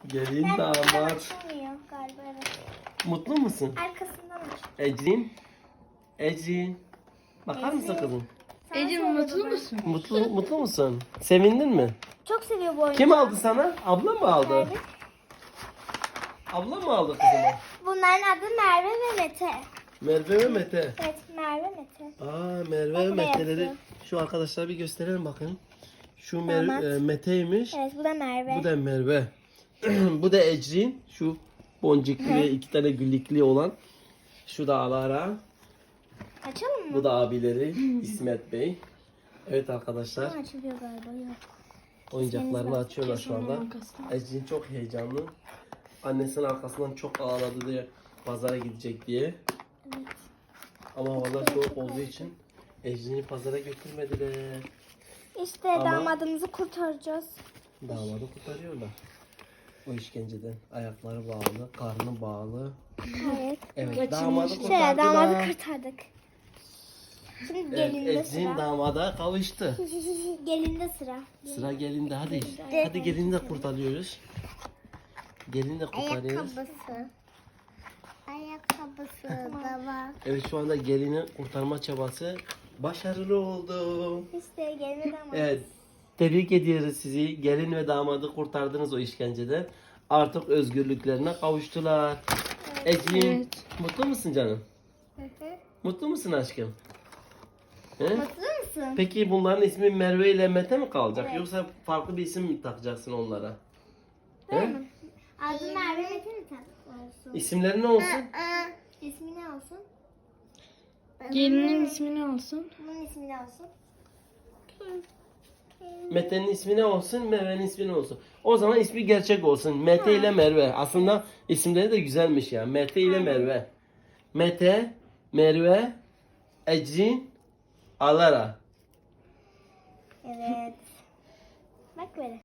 Gelin Arkasından damat. açılmıyor galiba, evet. Mutlu musun? Arkasından aç. Ecrin. Ecrin. Bakar mısın Ecrin. kızım? Sana Ecem söyle mutlu baba. musun? Mutlu musun? Sevindin mi? Çok seviyor bu oyunu. Kim aldı sana? Abla mı aldı? Merve. Abla mı aldı kızıma? Bunların adı Merve ve Mete. Merve ve Mete. Evet, Merve Mete. Merve ve Bak, Mete'leri beyazı. şu arkadaşlara bir gösterelim bakın. Şu Damat. Mete'ymiş. Evet, bu da Merve. Bu da Merve. Bu da Ecrin. Şu boncuklu ve iki tane güllikli olan. Şu da Alara. Açalım mı? Bu da abileri İsmet Bey. Evet arkadaşlar. Açılıyor galiba, yok. Oyuncaklarını açıyorlar şu anda. arkasından. Ecrin çok heyecanlı. Annesinin arkasından çok ağladı diye pazara gidecek diye. Evet. Ama havalar soğuk olduğu için Ecrin'i pazara götürmediler. İşte Ama- damadımızı kurtaracağız. Damadı kurtarıyorlar. O işkenceden. Ayakları bağlı, karnı bağlı. Evet. Evet, damadı Şöyle kurtardılar. damadı kurtardık. Şimdi Evet, gelinde Ecrin sıra. damada kavuştu. Gelinde sıra. Sıra gelinde hadi. Hadi gelini de kurtarıyoruz. Gelini de kurtarıyoruz. Ayakkabısı da var. Evet şu anda gelini kurtarma çabası başarılı oldu. İşte gelinde damat. Evet. Tebrik ediyoruz sizi. Gelin ve damadı kurtardınız o işkenceden. Artık özgürlüklerine kavuştular. Ecrin, Evet. mutlu musun canım? Hı hı. Mutlu musun aşkım? He? Mutlu musun? Peki bunların ismi Merve ile Mete mi kalacak? Evet. Yoksa farklı bir isim mi takacaksın onlara? Değil He? mi? Adı Merve Mete mi olsun? İsimleri ne olsun? İsmi ne olsun? Gelinin ismi ne olsun? Bunun ismi ne olsun? Mete'nin ismi ne olsun? Merve'nin ismi ne olsun? O zaman ismi gerçek olsun. Mete ile Merve. Aslında isimleri de güzelmiş ya. Mete ile Merve. Mete, Merve, Ecrin, Alara. Evet. Bak böyle.